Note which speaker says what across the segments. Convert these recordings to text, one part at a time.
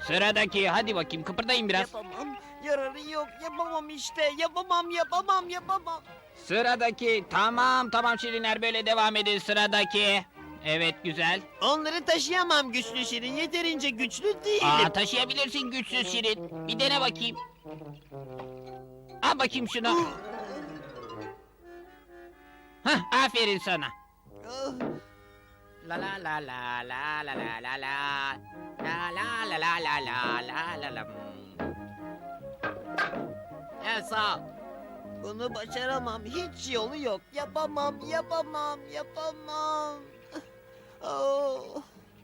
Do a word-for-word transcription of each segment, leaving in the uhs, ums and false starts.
Speaker 1: Sıradaki, hadi bakayım kıpırdayın biraz.
Speaker 2: Yapamam. Yararı yok. Yapamam işte. Yapamam, yapamam, yapamam.
Speaker 1: Sıradaki, tamam tamam Şirinler, böyle devam edin sıradaki. Evet, güzel.
Speaker 2: Onları taşıyamam güçlü Şirin. Yeterince güçlü değilim.
Speaker 1: Aa, taşıyabilirsin güçsüz Şirin. Bir dene bakayım. Al bakayım şunu. Hah, aferin sana.
Speaker 2: Ah,
Speaker 1: La la la la la la la la la la la la la la la la la la. Evet, sağ ol.
Speaker 2: Bunu başaramam. Hiç yolu yok. Yapamam, yapamam, yapamam. Oh.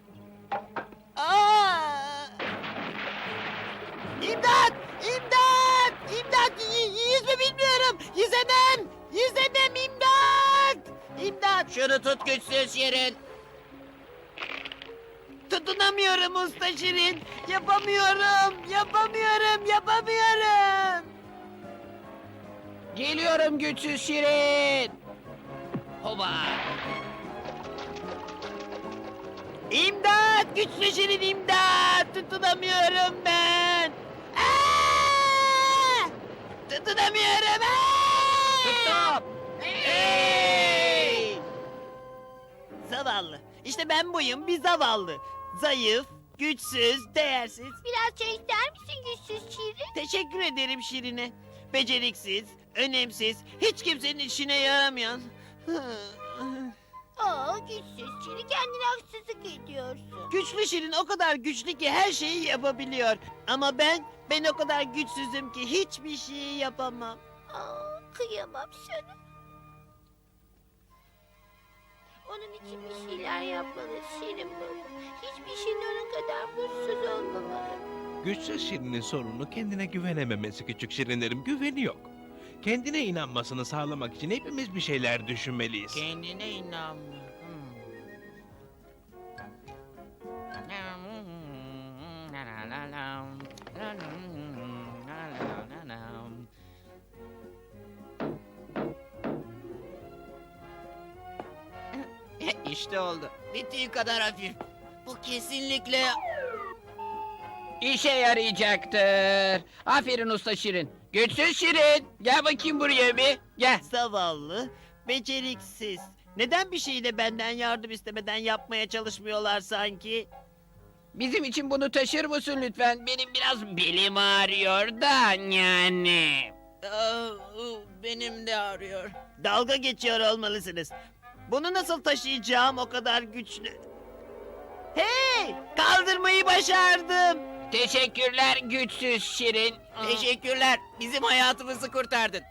Speaker 2: Aa! İmdat! İmdat! İmdat! Y- yüzme bilmiyorum. Yüzemem. Yüzemem, imdat! İmdat!
Speaker 1: Şunu tut güçsüz Şirin.
Speaker 2: Tutunamıyorum usta Şirin. Yapamıyorum. Yapamıyorum. Yapamıyorum.
Speaker 1: Geliyorum güçsüz Şirin. Hoba.
Speaker 2: İmdat! Güçlü Şirin imdat! Tutunamıyorum ben! Aa! Tutunamıyorum! Aa!
Speaker 1: Tuttum. Hey!
Speaker 2: Zavallı. İşte ben buyum, bir zavallı. Zayıf, güçsüz, değersiz.
Speaker 3: Biraz çay ister misin güçsüz Şirin?
Speaker 2: Teşekkür ederim Şirin'e. Beceriksiz, önemsiz, hiç kimsenin işine yaramayan.
Speaker 3: Aa güçsüz Şirin, kendine haksızlık ediyorsun.
Speaker 2: Güçlü Şirin o kadar güçlü ki her şeyi yapabiliyor. Ama ben, ben o kadar güçsüzüm ki hiçbir şeyi yapamam.
Speaker 3: Aa kıyamam sana. Onun için bir şeyler yapmalı Şirin baba. Hiçbir şeyin onun kadar mutsuz olmamalı.
Speaker 4: Güçsüz Şirin'in sorunu kendine güvenememesi küçük Şirinlerim, güveni yok. Kendine inanmasını sağlamak için hepimiz bir şeyler düşünmeliyiz.
Speaker 1: Kendine inanmıyor. İşte oldu.
Speaker 2: Bittiği kadar hafif. Bu kesinlikle...
Speaker 1: İşe yarayacaktır. Aferin usta Şirin. Güçsüz Şirin. Gel bakayım buraya bir. Gel.
Speaker 2: Zavallı, beceriksiz. Neden bir şeyi de benden yardım istemeden yapmaya çalışmıyorlar sanki?
Speaker 1: Bizim için bunu taşır mısın lütfen? Benim biraz belim ağrıyor da yani.
Speaker 2: Benim de ağrıyor. Dalga geçiyor olmalısınız. Bunu nasıl taşıyacağım o kadar güçlü? Hey! Kaldırmayı başardım.
Speaker 1: Teşekkürler güçsüz Şirin.
Speaker 2: Teşekkürler. Bizim hayatımızı kurtardın.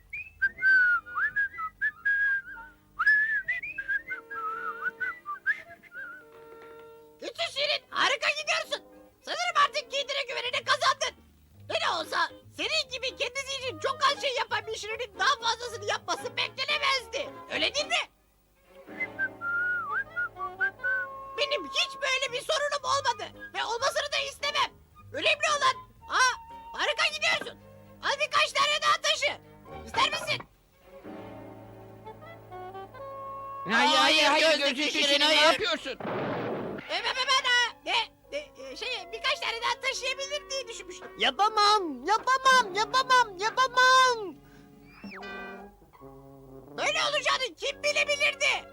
Speaker 3: Güçsüz Şirin, harika gidiyorsun. Sanırım artık kendine güvenini kazandın. Ne de olsa senin gibi kendisi için çok az şey yapan bir Şirin'in daha fazlasını yapması beklenemezdi. Öyle değil mi? Benim hiç böyle bir sorunum olmadı ve olmasını da istemem. Önemli olan, ha, harika gidiyorsun. Al birkaç tane daha taşı. İster misin?
Speaker 1: Hayır hayır hayır
Speaker 2: gözlüklü
Speaker 1: güçsüz
Speaker 2: Şirin,
Speaker 1: Şirin, ne
Speaker 2: hayır.
Speaker 1: yapıyorsun?
Speaker 3: Ben, ben, ben, ha, ne, ne, şey, birkaç tane daha taşıyabilir diye düşünmüştüm.
Speaker 2: Yapamam, yapamam, yapamam, yapamam.
Speaker 3: Böyle olacağını kim bilebilirdi?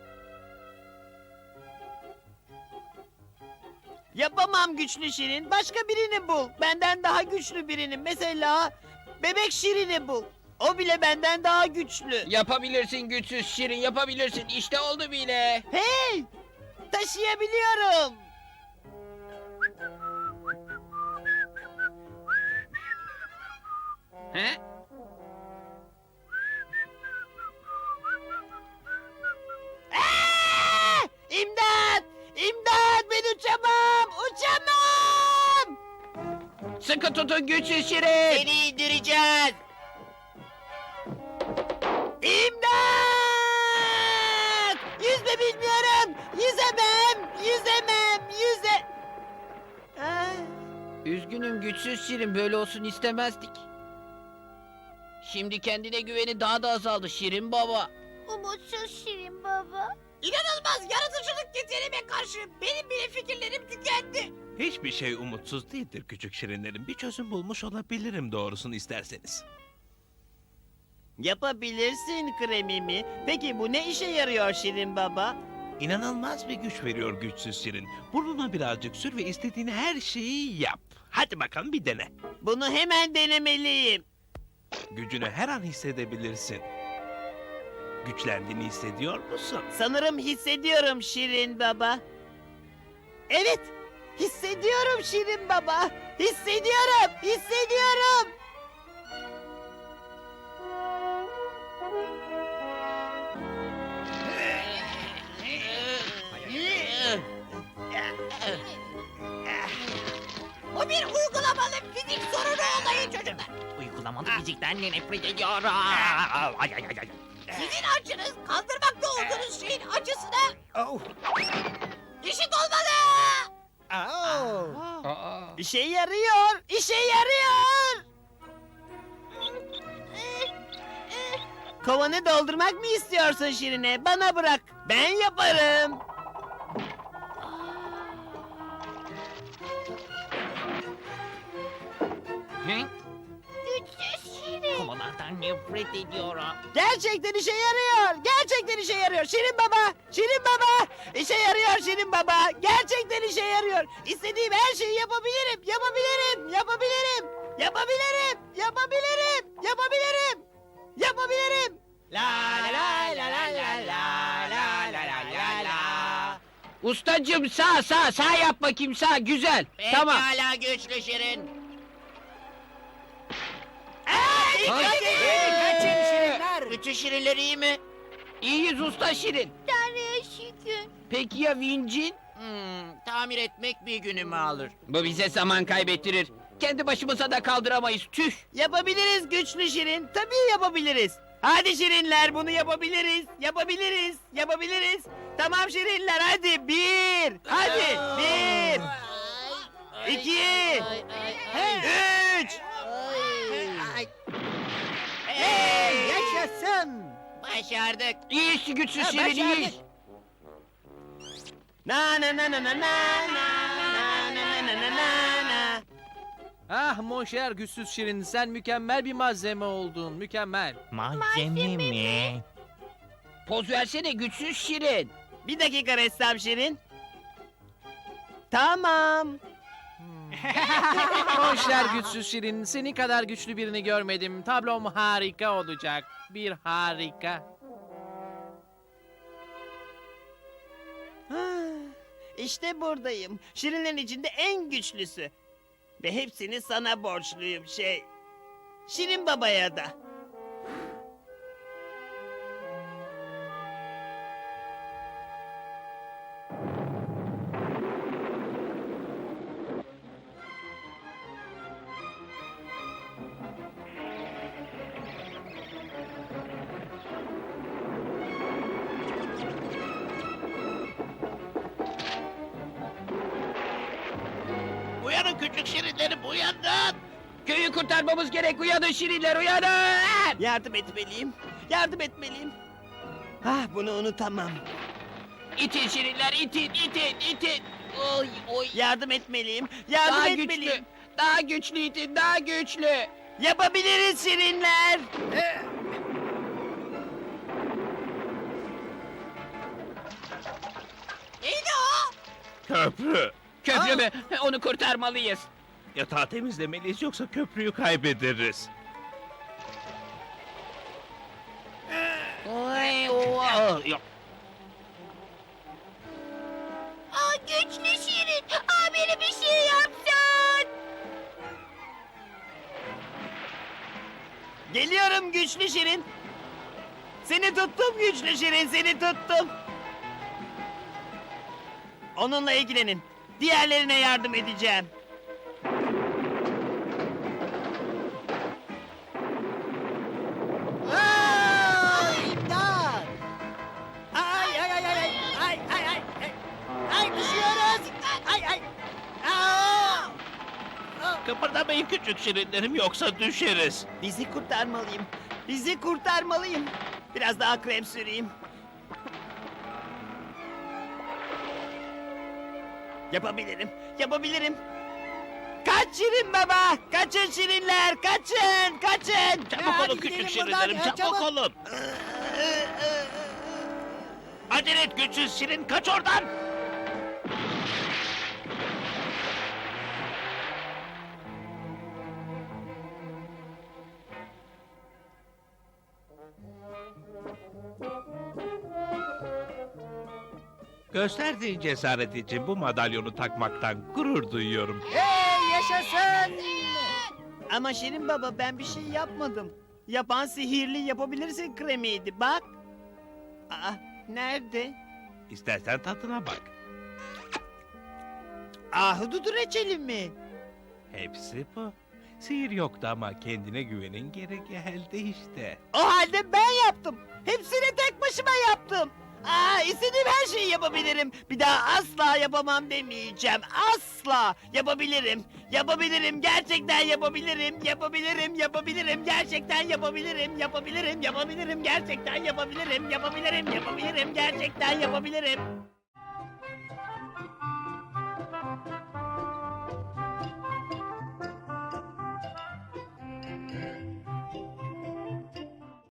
Speaker 2: Yapamam güçlü Şirin. Başka birini bul. Benden daha güçlü birini. Mesela bebek Şirin'i bul. O bile benden daha güçlü.
Speaker 1: Yapabilirsin güçsüz Şirin, yapabilirsin. İşte oldu bile.
Speaker 2: Hey! Taşıyabiliyorum.
Speaker 1: He?
Speaker 2: Aa! İmdat! İmdat! Ben uçamam! Uçamam!
Speaker 1: Sıkı tutun güçsüz Şirin.
Speaker 2: Seni indireceğiz. İmdat! Yüzme bilmiyorum. Yüzemem. Yüzemem. Yüze... Aa!
Speaker 1: Üzgünüm güçsüz Şirin, böyle olsun istemezdik. Şimdi kendine güveni daha da azaldı Şirin baba.
Speaker 3: Umutsuz Şirin baba. İnanılmaz yaratıcılık yeteneğime karşı benim bile fikirlerim tükendi.
Speaker 4: Hiçbir şey umutsuz değildir küçük şirinlerim. Bir çözüm bulmuş olabilirim doğrusunu isterseniz.
Speaker 2: Yapabilirsin kremimi. Peki bu ne işe yarıyor Şirin Baba?
Speaker 4: İnanılmaz bir güç veriyor güçsüz şirin. Burnuna birazcık sür ve istediğin her şeyi yap. Hadi bakalım bir dene.
Speaker 2: Bunu hemen denemeliyim.
Speaker 4: Gücünü her an hissedebilirsin. Güçlendiğini hissediyor musun?
Speaker 2: Sanırım hissediyorum Şirin Baba. Evet, hissediyorum Şirin Baba. Hissediyorum, hissediyorum.
Speaker 3: Bu bir uygulamalı fizik sorunu olayı çocuklar.
Speaker 1: Uygulamalı fizikten nefret ediyorum. Ay ay ay ay.
Speaker 3: Sizin acınız kaldırmakta olduğunuz şeyin acısına
Speaker 2: Oh.
Speaker 3: eşit olmalı.
Speaker 2: Oh.
Speaker 1: Aa.
Speaker 2: İşe yarıyor, işe yarıyor. Kovanı doldurmak mı istiyorsun Şirine? Bana bırak, ben yaparım.
Speaker 1: Ne?
Speaker 3: Güçsüz Şirin.
Speaker 1: Komalardan nefret ediyorum.
Speaker 2: Gerçekten işe yarıyor, gerçekten işe yarıyor. Şirin Baba, Şirin Baba. İşe yarıyor Şirin Baba. Gerçekten işe yarıyor. İstediğim her şeyi yapabilirim, yapabilirim, yapabilirim. Yapabilirim, yapabilirim, yapabilirim. Yapabilirim.
Speaker 1: La la la la la la la la la la la. Ustacım sağ sağ sağ yap bakayım sağ güzel. Tamam.
Speaker 3: Pekala güçlü Şirin.
Speaker 2: Aa, dikkat
Speaker 1: Ay,
Speaker 2: edin.
Speaker 1: ee,
Speaker 2: Kaçın Şirinler.
Speaker 3: Bütün Şirinler iyi mi?
Speaker 1: İyiyiz usta Şirin.
Speaker 3: Tanrı'ya şükür.
Speaker 1: Peki ya vincin?
Speaker 3: Hmm, tamir etmek bir günümü alır.
Speaker 1: Bu bize zaman kaybettirir. Kendi başımıza da kaldıramayız tüh.
Speaker 2: Yapabiliriz güçlü Şirin. Tabii yapabiliriz. Hadi Şirinler bunu yapabiliriz. Yapabiliriz. Yapabiliriz. Tamam Şirinler hadi bir. Hadi bir. İki. Üç. Hey yaşasın.
Speaker 3: Başardık.
Speaker 1: İyiyiz güçsüz
Speaker 2: Ha,
Speaker 1: Şirin
Speaker 2: başardık.
Speaker 1: iyiyiz.
Speaker 2: Na na na na na na na na na na na na na.
Speaker 5: Ah monşer güçsüz şirin sen mükemmel bir malzeme oldun mükemmel.
Speaker 1: Malzeme mi? Poz versene güçsüz Şirin.
Speaker 2: Bir dakika ressam Şirin. Tamam.
Speaker 5: Monşer güçsüz şirin senin kadar güçlü birini görmedim. Tablom harika olacak. Bir harika.
Speaker 2: İşte buradayım. Şirinlerin içinde en güçlüsü. Ve hepsini sana borçluyum şey. Şirin Baba'ya da.
Speaker 4: Uyanın küçük şirinlerim uyanın.
Speaker 1: Köyü kurtarmamız gerek uyanın Şirinler uyanın.
Speaker 2: Yardım etmeliyim. Yardım etmeliyim. Ah bunu unutamam.
Speaker 1: İtin Şirinler itin itin itin. Oy oy.
Speaker 2: Yardım etmeliyim. Yardım
Speaker 1: Daha
Speaker 2: etmeliyim.
Speaker 1: güçlü. Daha güçlü itin daha güçlü.
Speaker 2: Yapabiliriz Şirinler.
Speaker 3: Neydi o?
Speaker 4: Köprü.
Speaker 1: Köprü mü? Onu kurtarmalıyız.
Speaker 4: Yatağı temizlemeliyiz yoksa köprüyü kaybederiz.
Speaker 1: Oy oy. Yok.
Speaker 3: Aa, güçlü Şirin. Aa, beni bir şey yapsın.
Speaker 2: Geliyorum güçlü Şirin. Seni tuttum güçlü Şirin, seni tuttum. Onunla ilgilenin. Diğerlerine yardım edeceğim. Aa, imdat! Ay ay ay ay ay ay ay ay ay ay düşüyoruz. Ay ay. Aa!
Speaker 4: Kıpırdamayın küçük şirinlerim yoksa düşeriz.
Speaker 2: Bizi kurtarmalıyım. Bizi kurtarmalıyım. Biraz daha krem süreyim. Yapabilirim. Yapabilirim. Kaç Şirin Baba! Kaçın Şirinler! Kaçın! Kaçın!
Speaker 6: Çabuk
Speaker 3: Hadi
Speaker 6: olun
Speaker 3: gidelim
Speaker 6: küçük
Speaker 3: buradan,
Speaker 6: şirinlerim,
Speaker 3: ya,
Speaker 6: çabuk,
Speaker 3: çabuk.
Speaker 6: olun. Acele et güçsüz şirin, kaç oradan.
Speaker 4: Gösterdiğin cesaret için bu madalyonu takmaktan gurur duyuyorum.
Speaker 2: Hey yaşasın! Ama Şirin Baba ben bir şey yapmadım. Yapan sihirli yapabilirsin kremiydi bak. Aa, nerede?
Speaker 4: İstersen tadına bak.
Speaker 2: Ahududu reçeli mi?
Speaker 4: Hepsi bu. Sihir yoktu ama kendine güvenin geri geldi işte.
Speaker 2: O halde ben yaptım. Hepsini tek başıma yaptım. Aa, istediğim her şeyi yapabilirim. Bir daha asla yapamam demeyeceğim. Asla yapabilirim. Yapabilirim. Gerçekten yapabilirim. Yapabilirim. Yapabilirim. Gerçekten yapabilirim. Yapabilirim. Yapabilirim. Gerçekten yapabilirim. Yapabilirim. Yapabilirim. Gerçekten yapabilirim.